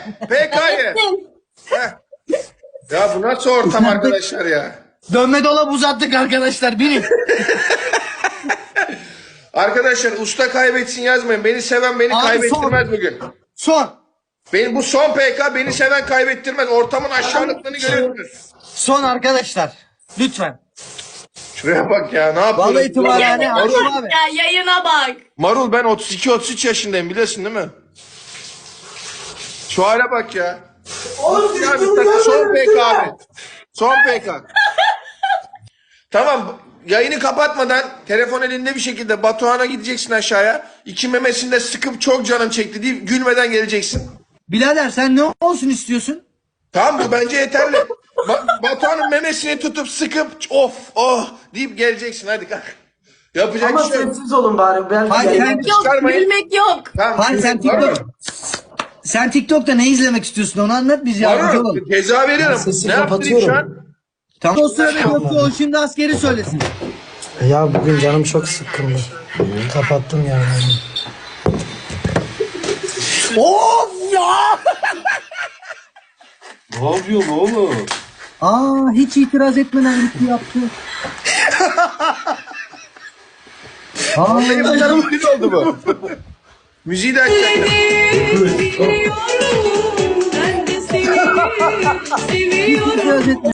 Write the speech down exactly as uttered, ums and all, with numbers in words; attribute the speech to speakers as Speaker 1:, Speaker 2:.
Speaker 1: P K'yı. Ya bu nasıl ortam arkadaşlar ya?
Speaker 2: Dönme dolap uzattık arkadaşlar. Binin.
Speaker 1: Arkadaşlar usta kaybetsin yazmayın. Beni seven beni
Speaker 2: Abi
Speaker 1: kaybettirmez
Speaker 2: son.
Speaker 1: bugün.
Speaker 2: Son.
Speaker 1: Benim bu son P K beni seven kaybettirmez. Ortamın aşağılıklığını görüyorsunuz.
Speaker 2: Son arkadaşlar. Lütfen.
Speaker 1: Şuraya bak ya ne yapıyorsun?
Speaker 2: Vallahi tımarhane Haşim abi.
Speaker 3: Ya yayına bak.
Speaker 1: Marul ben otuz iki otuz üç yaşındayım biliyorsun değil mi? Şu hale bak ya.
Speaker 4: Oğlum
Speaker 1: Ya
Speaker 4: siz
Speaker 1: bir dakika, son P K abi. Son P K. Tamam yayını kapatmadan telefon elinde bir şekilde Batuhan'a gideceksin aşağıya. İki memesini de sıkıp çok canım çekti deyip gülmeden geleceksin.
Speaker 2: Birader sen ne olsun istiyorsun?
Speaker 1: Tamam bu bence yeterli. Ba- Batuhan'ın memesini tutup sıkıp of oh deyip geleceksin hadi kalk. Yapacak
Speaker 4: ama
Speaker 1: bir şey yok.
Speaker 4: sessiz olun bari. Ben
Speaker 2: Hadi
Speaker 4: yayın-
Speaker 2: sen,
Speaker 3: Yok
Speaker 1: Çıkarmayın.
Speaker 3: gülmek yok.
Speaker 1: Tamam,
Speaker 2: Hayır, sen
Speaker 1: var mı?
Speaker 2: TikTok- sen TikTok'ta ne izlemek istiyorsun onu anlat biz yardımcı
Speaker 1: Var
Speaker 2: olalım.
Speaker 1: mı? Ceza veriyorum.
Speaker 4: sesi
Speaker 1: Ne yaptırayım şu
Speaker 4: kapatıyorum.
Speaker 1: an?
Speaker 2: Tamam. O sırada Gökçe o şimdi askeri söylesin.
Speaker 4: Ya bugün canım çok sıkkındı. Kapattım yani.
Speaker 2: Of ya!
Speaker 5: Ne yapıyorsun oğlum?
Speaker 2: Aa hiç itiraz etmeden gitti yaptı. Aa,
Speaker 1: Benim canım kötü oldu bu. Müziği de açacaktım.
Speaker 3: Ben de seni
Speaker 2: hiç itiraz etmeden.